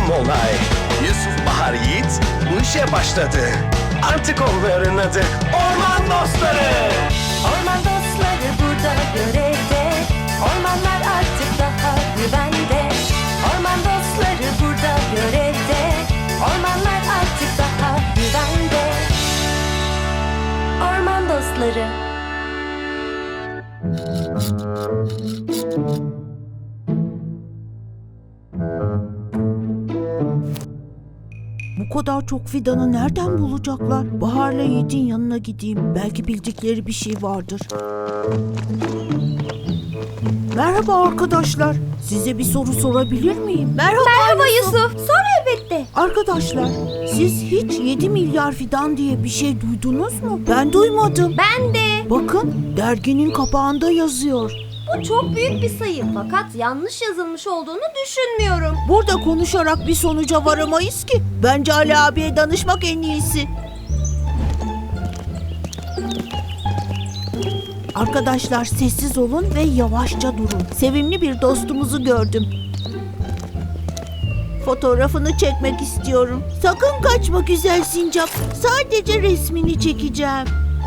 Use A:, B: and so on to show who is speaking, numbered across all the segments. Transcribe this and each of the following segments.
A: olay. Yusuf, Bahar, Yiğit bu işe başladı. Artık onların adı Orman Dostları.
B: Orman dostları burada görevde. Ormanlar artık daha güvende. Orman dostları burada görevde. Ormanlar artık daha güvende. Orman dostları.
C: Bu kadar çok fidanı nereden bulacaklar? Bahar'la Yiğit'in yanına gideyim. Belki bildikleri bir şey vardır. Merhaba arkadaşlar. Size bir soru sorabilir miyim?
B: Merhaba Yusuf. Sor elbette.
C: Arkadaşlar, siz hiç 7 milyar fidan diye bir şey duydunuz mu? Ben duymadım.
B: Ben de.
C: Bakın, derginin kapağında yazıyor.
B: Bu çok büyük bir sayı fakat yanlış yazılmış olduğunu düşünmüyorum.
C: Burada konuşarak bir sonuca varamayız ki. Bence Ali abiye danışmak en iyisi. Arkadaşlar sessiz olun ve yavaşça durun. Sevimli bir dostumuzu gördüm. Fotoğrafını çekmek istiyorum. Sakın kaçma güzel sincap. Sadece resmini çekeceğim.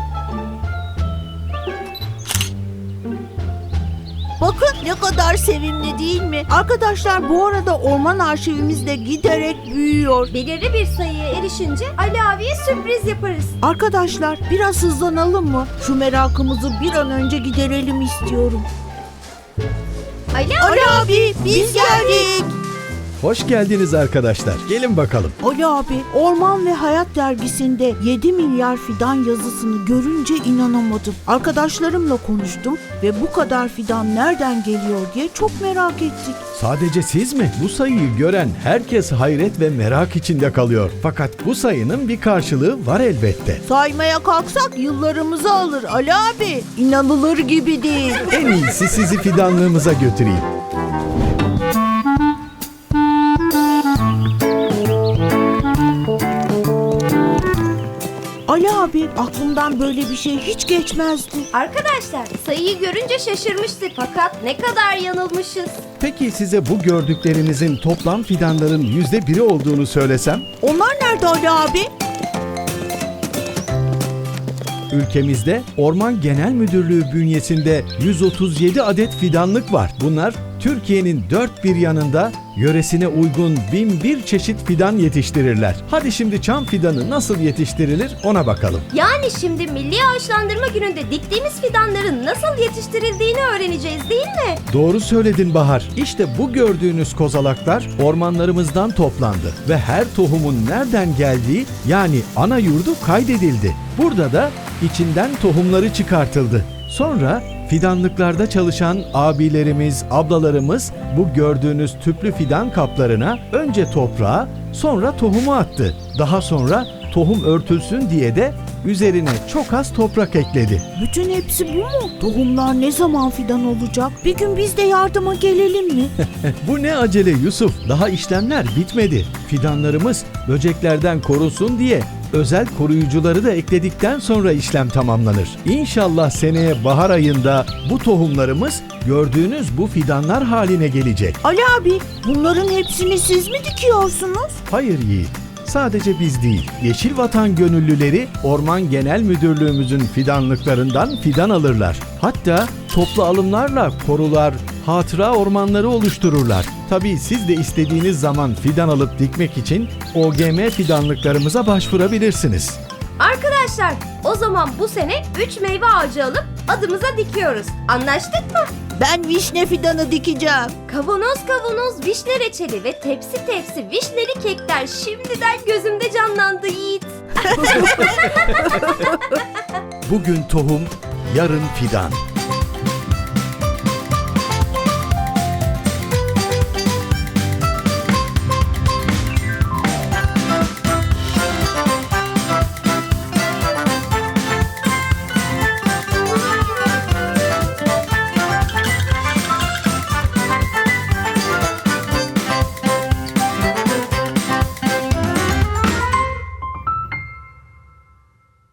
C: Bakın ne kadar sevimli değil mi? Arkadaşlar bu arada orman arşivimiz de giderek büyüyor.
B: Belirli bir sayıya erişince Ali abiye sürpriz yaparız.
C: Arkadaşlar biraz hızlanalım mı? Şu merakımızı bir an önce giderelim istiyorum.
B: Ali
C: Ali abi biz geldik.
D: Hoş geldiniz arkadaşlar. Gelin bakalım.
C: Ali abi, Orman ve Hayat dergisinde 7 milyar fidan yazısını görünce inanamadım. Arkadaşlarımla konuştum ve bu kadar fidan nereden geliyor diye çok merak ettik.
D: Sadece siz mi? Bu sayıyı gören herkes hayret ve merak içinde kalıyor. Fakat bu sayının bir karşılığı var elbette.
C: Saymaya kalksak yıllarımızı alır Ali abi. İnanılır gibi değil.
D: En iyisi sizi fidanlığımıza götüreyim.
C: Ali abi, aklımdan böyle bir şey hiç geçmezdi.
B: Arkadaşlar sayıyı görünce şaşırmıştık fakat ne kadar yanılmışız.
D: Peki size bu gördüklerinizin toplam fidanların %1'i olduğunu söylesem?
C: Onlar nerede Ali abi?
D: Ülkemizde Orman Genel Müdürlüğü bünyesinde 137 adet fidanlık var. Bunlar Türkiye'nin dört bir yanında yöresine uygun 1001 çeşit fidan yetiştirirler. Hadi şimdi çam fidanı nasıl yetiştirilir ona bakalım.
B: Yani şimdi Milli Ağaçlandırma Günü'nde diktiğimiz fidanların nasıl yetiştirildiğini öğreneceğiz değil mi?
D: Doğru söyledin Bahar. İşte bu gördüğünüz kozalaklar ormanlarımızdan toplandı ve her tohumun nereden geldiği yani ana yurdu kaydedildi. Burada da içinden tohumları çıkartıldı. Sonra fidanlıklarda çalışan abilerimiz, ablalarımız bu gördüğünüz tüplü fidan kaplarına önce toprağı, sonra tohumu attı. Daha sonra tohum örtülsün diye de üzerine çok az toprak ekledi.
C: Bütün hepsi bu mu? Tohumlar ne zaman fidan olacak? Bir gün biz de yardıma gelelim mi?
D: Bu ne acele Yusuf? Daha işlemler bitmedi. Fidanlarımız böceklerden korunsun diye özel koruyucuları da ekledikten sonra işlem tamamlanır. İnşallah seneye bahar ayında bu tohumlarımız gördüğünüz bu fidanlar haline gelecek.
C: Ali abi, bunların hepsini siz mi dikiyorsunuz?
D: Hayır Yiğit, sadece biz değil, Yeşil Vatan gönüllüleri Orman Genel Müdürlüğümüzün fidanlıklarından fidan alırlar. Hatta toplu alımlarla korular, hatıra ormanları oluştururlar. Tabii siz de istediğiniz zaman fidan alıp dikmek için OGM fidanlıklarımıza başvurabilirsiniz.
B: Arkadaşlar o zaman bu sene 3 meyve ağacı alıp adımıza dikiyoruz. Anlaştık mı?
C: Ben vişne fidanı dikeceğim.
B: Kavanoz kavanoz vişne reçeli ve tepsi tepsi vişneli kekler şimdiden gözümde canlandı Yiğit.
D: Bugün tohum, yarın fidan.